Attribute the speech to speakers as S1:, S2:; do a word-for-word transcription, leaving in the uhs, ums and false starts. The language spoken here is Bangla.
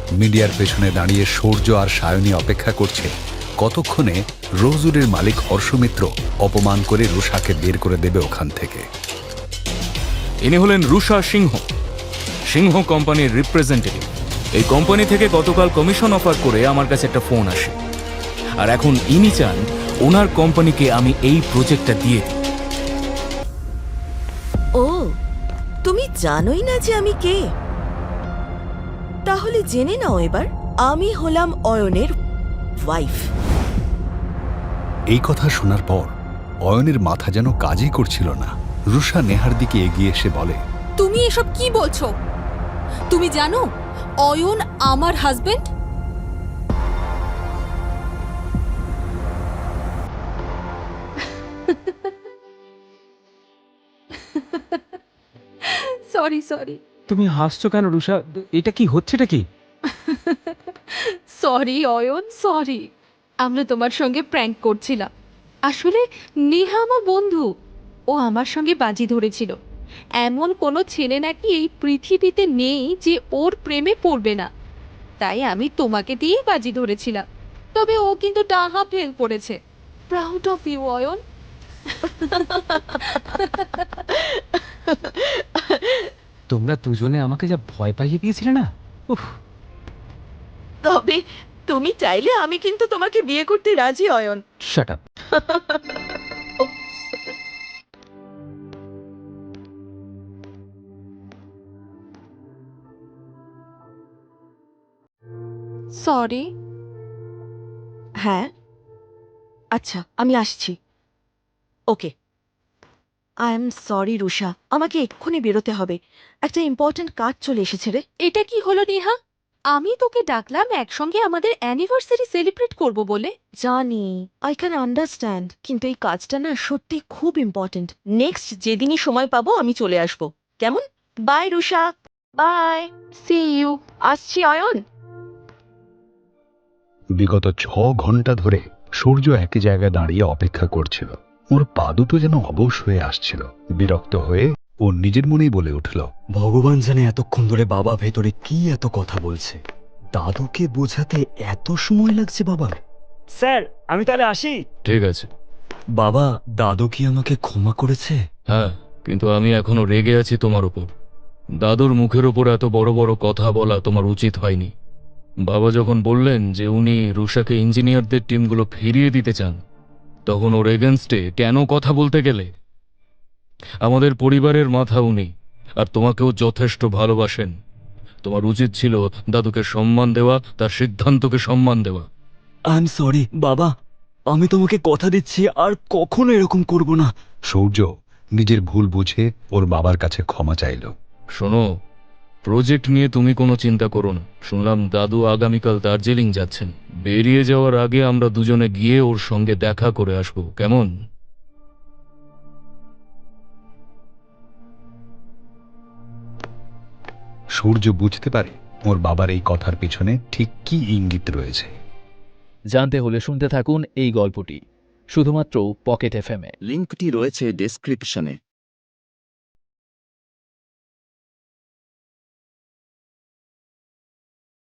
S1: মিডিয়ার পেছনে দাঁড়িয়ে সূর্য আর সায়নী অপেক্ষা করছে কতক্ষণে রোজউডের মালিক হর্ষ মিত্র অপমান করে রুষাকে বের করে দেবে ওখান থেকে।
S2: ইনি হলেন রুষা সিংহ, সিংহ কোম্পানির রিপ্রেজেন্টেটিভ। এই কোম্পানি থেকে গতকাল কমিশন অফার করে আমার কাছে একটা ফোন আসে, আর এখন ইনি চান ওনার কোম্পানিকে আমি এই প্রজেক্টটা দিয়ে দিই।
S3: ও, তুমি জানোই না যে আমি কে? তাহলে জেনে নাও এবার, আমি হলাম অয়নের ওয়াইফ।
S1: এই কথা শোনার পর অয়নের মাথা যেন কাজই করছিল না। রুষা নেহার দিকে এগিয়ে এসে বলে,
S4: তুমি এসব কি বলছো? তুমি জানো অয়ন আমার হাজবেন্ড? সরি সরি
S5: তুমি হাসছো কেন রুষা? এটা কি হচ্ছেটা কি?
S4: Sorry Ayan, sorry. আমরা তোমার সঙ্গে প্র্যাঙ্ক করছিলাম। আসলে নেহা আমার বন্ধু, ও আমার সঙ্গে বাজি ধরেছিল। এমন কোনো ছেলে নাকি এই পৃথিবীতে নেই যে ওর প্রেমে পড়বে না, তাই আমি তোমাকে দিয়েই বাজি ধরেছিলাম। তবে ও কিন্তু টাহা ফেল করেছে। Proud of you Ayan.
S5: তোমরা দুজনে আমাকে যা ভয় পাইয়ে দিয়েছিলে না, উফ।
S3: তবে তুমি চাইলে আমি কিন্তু তোমাকে বিয়ে করতে রাজি অয়ন।
S5: Shut up.
S4: সরি।
S3: হ্যাঁ, আচ্ছা আমি আসছি। ওকে। আই এম সরি রুষা, আমাকে এক্ষুনি বেরোতে হবে। একটা ইম্পর্ট্যান্ট কাজ চলে এসেছে রে।
S4: এটা কি হলো নেহা? আমি তোকে ডাকলাম একসঙ্গে আমাদের অ্যানিভার্সারি সেলিব্রেট করব বলে।
S3: জানি, আই ক্যান আন্ডারস্ট্যান্ড, কিন্তু এই কাজটা না সত্যি খুব ইম্পর্ট্যান্ট। নেক্সট যেদিনই সময় পাবো আমি চলে আসব, কেমন? বাই রুষা, বাই।
S4: C you.
S3: আসছি অয়ন।
S1: বিগত ছ ঘন্টা ধরে সূর্য একই জায়গায় দাঁড়িয়ে অপেক্ষা করছিল। ওর পা দুটো যেন অবশ হয়ে আসছিল। বিরক্ত হয়ে ও নিজের মনেই বলে উঠল,
S6: ভগবান জানে এতক্ষণ ধরে বাবা ভেতরে কি এত কথা বলছে। দাদুকে বোঝাতে এত সময় লাগছে বাবা। স্যার আমি তাহলে আসি।
S2: ঠিক আছে।
S6: বাবা, দাদু কি আমাকে ক্ষমা করেছে?
S2: হ্যাঁ, কিন্তু আমি এখনো রেগে আছি তোমার উপর। দাদুর মুখের ওপর এত বড় বড় কথা বলা তোমার উচিত হয়নি। বাবা যখন বললেন যে উনি রুষাকে ইঞ্জিনিয়ারদের টিমগুলো ফিরিয়ে দিতে চান, তখন ওর এগেনস্টে কেন কথা বলতে গেলে? আমাদের পরিবারের মাথা উনি, আর তোমাকেও যথেষ্ট ভালোবাসেন। তোমার উচিত ছিল দাদুকে সম্মান দেওয়া, তার সিদ্ধান্তকে সম্মান দেওয়া।
S6: আই এম সরি বাবা, আমি তোমাকে কথা দিচ্ছি আর কখনো এরকম করব না।
S1: সূর্য নিজের ভুল বুঝে ওর বাবার কাছে ক্ষমা চাইল।
S2: শোনো, প্রজেক্ট নিয়ে তুমি কোনো চিন্তা করো না। শুনলাম দাদু আগামীকাল দার্জিলিং যাচ্ছেন। বেরিয়ে যাওয়ার আগে আমরা দুজনে গিয়ে ওর সঙ্গে দেখা করে আসবো, কেমন?
S1: সূর্য বুঝতে পারে ওর বাবার এই কথার পিছনে ঠিক কি ইঙ্গিত রয়েছে।
S7: জানতে হলে শুনতে থাকুন এই গল্পটি শুধুমাত্র পকেট এফএম এ।
S8: লিঙ্কটি রয়েছে ডেসক্রিপশনে।